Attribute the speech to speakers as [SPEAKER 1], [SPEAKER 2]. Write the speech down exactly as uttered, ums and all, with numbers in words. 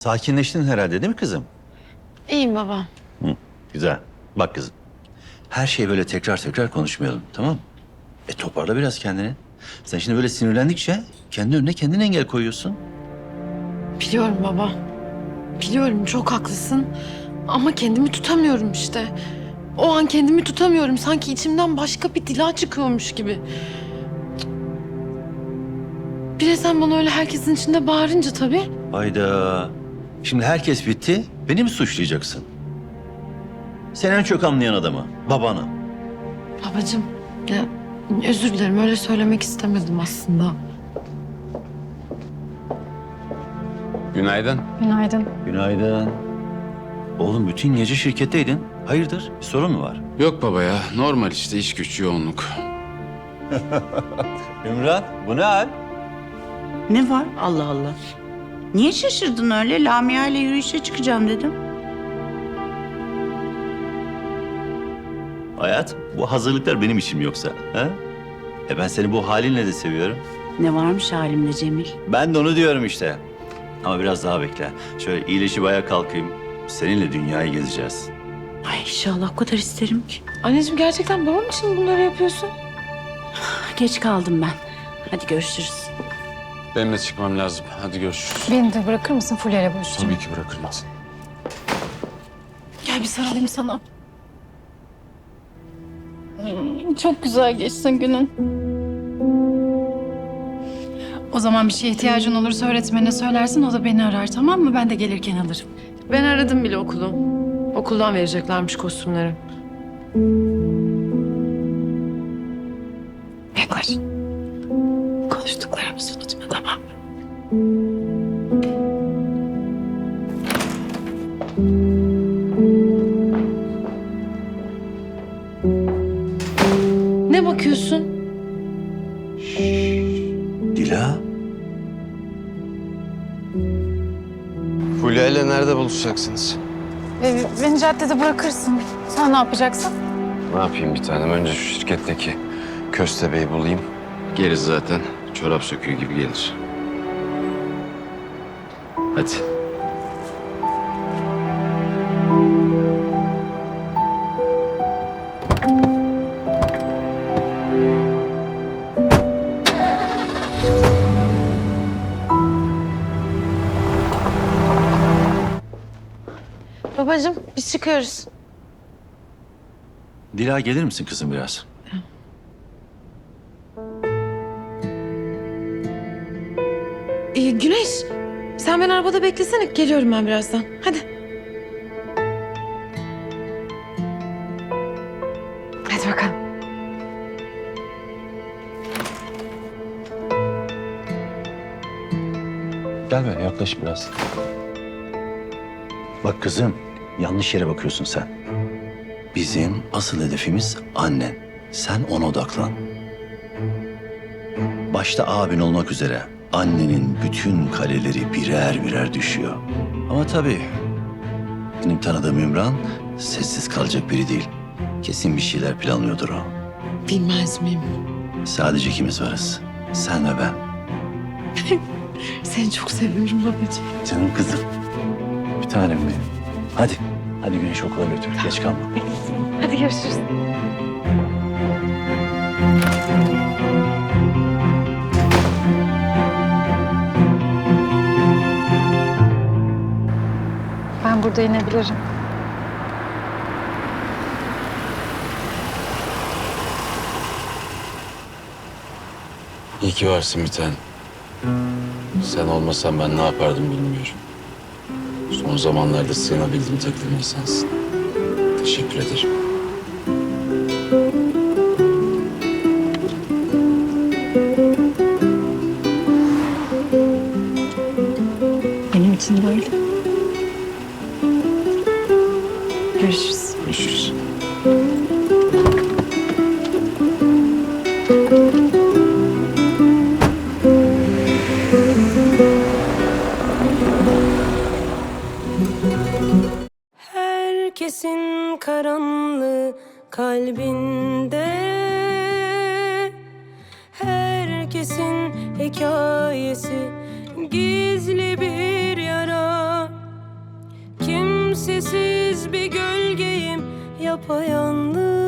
[SPEAKER 1] Sakinleştin herhalde değil mi kızım?
[SPEAKER 2] İyiyim baba.
[SPEAKER 1] Hı, güzel. Bak kızım. Her şeyi böyle tekrar tekrar konuşmayalım, tamam mı? E toparla biraz kendini. Sen şimdi böyle sinirlendikçe kendi önüne kendin engel koyuyorsun.
[SPEAKER 2] Biliyorum baba. Biliyorum, çok haklısın. Ama kendimi tutamıyorum işte. O an kendimi tutamıyorum. Sanki içimden başka bir dila çıkıyormuş gibi. Bir de sen bana öyle herkesin içinde bağırınca tabii.
[SPEAKER 1] Hayda. Şimdi herkes bitti. Beni mi suçlayacaksın? Sen en çok anlayan adamı, babanı.
[SPEAKER 2] Babacığım, ya özür dilerim, öyle söylemek istemedim aslında.
[SPEAKER 3] Günaydın.
[SPEAKER 4] Günaydın.
[SPEAKER 1] Günaydın. Oğlum bütün gece şirketteydin. Hayırdır? Bir sorun mu var?
[SPEAKER 3] Yok baba ya, normal işte iş güç yoğunluk.
[SPEAKER 1] Ümran, bu ne hal?
[SPEAKER 5] Ne var? Allah Allah. Niye şaşırdın öyle? Lamia ile yürüyüşe çıkacağım dedim.
[SPEAKER 1] Hayat, bu hazırlıklar benim işim yoksa. Ha? E ben seni bu halinle de seviyorum.
[SPEAKER 5] Ne varmış halimde Cemil?
[SPEAKER 1] Ben de onu diyorum işte. Ama biraz daha bekle. Şöyle iyileşip ayağa kalkayım. Seninle dünyayı gezeceğiz.
[SPEAKER 5] Ay inşallah o kadar isterim ki.
[SPEAKER 2] Anneciğim, gerçekten babam için bunları yapıyorsun.
[SPEAKER 5] Geç kaldım ben. Hadi görüşürüz.
[SPEAKER 3] Benim de çıkmam lazım. Hadi görüşürüz.
[SPEAKER 4] Beni de bırakır mısın? Fulya ile buluşacağım.
[SPEAKER 3] Tabii ki bırakırım seni.
[SPEAKER 4] Gel bir sarılayım sana. Hmm, Çok güzel geçsin günün. O zaman bir şeye ihtiyacın olursa öğretmenine söylersin. O da beni arar, tamam mı? Ben de gelirken alırım.
[SPEAKER 2] Ben aradım bile okulu. Okuldan vereceklermiş kostümleri.
[SPEAKER 4] Yaklaş. Konuştuklarımızı unutma, tamam mı?
[SPEAKER 2] Ne bakıyorsun?
[SPEAKER 1] Dila,
[SPEAKER 3] Fulya ile nerede buluşacaksınız?
[SPEAKER 4] Ee, beni caddede bırakırsın. Sen ne yapacaksın?
[SPEAKER 3] Ne yapayım bir tanem? Önce şu şirketteki köstebeği bulayım. Geri zaten çorap söküğü gibi gelir. Hadi.
[SPEAKER 2] Babacığım, biz çıkıyoruz.
[SPEAKER 1] Dila gelir misin kızım biraz?
[SPEAKER 2] Ee, Güneş, sen beni arabada beklesene. Geliyorum ben birazdan. Hadi. Hadi bakalım.
[SPEAKER 1] Gel böyle yaklaş biraz. Bak kızım, yanlış yere bakıyorsun sen. Bizim asıl hedefimiz annen. Sen ona odaklan. Başta abin olmak üzere annenin bütün kaleleri birer birer düşüyor. Ama tabii benim tanıdığım Ümran sessiz kalacak biri değil. Kesin bir şeyler planlıyordur o.
[SPEAKER 2] Bilmez miyim?
[SPEAKER 1] Sadece ikimiz varız. Sen ve ben.
[SPEAKER 2] Seni çok seviyorum babacığım.
[SPEAKER 1] Canım kızım. Bir tanem benim. Hadi. Hadi Güneş okula götür. Geç kalma.
[SPEAKER 2] Hadi görüşürüz.
[SPEAKER 4] Ben burada inebilirim.
[SPEAKER 3] İyi ki varsın bir tanem. Sen olmasan ben ne yapardım bilmiyorum. Son zamanlarda sığınabildiğim tek sensin. Teşekkür ederim.
[SPEAKER 4] Benim için de öyle. Görüşürüz.
[SPEAKER 3] Görüşürüz.
[SPEAKER 6] Herkesin karanlığı kalbinde, herkesin hikayesi gizli bir yara. kimsesiz bir gölgeyim, yapayalnız.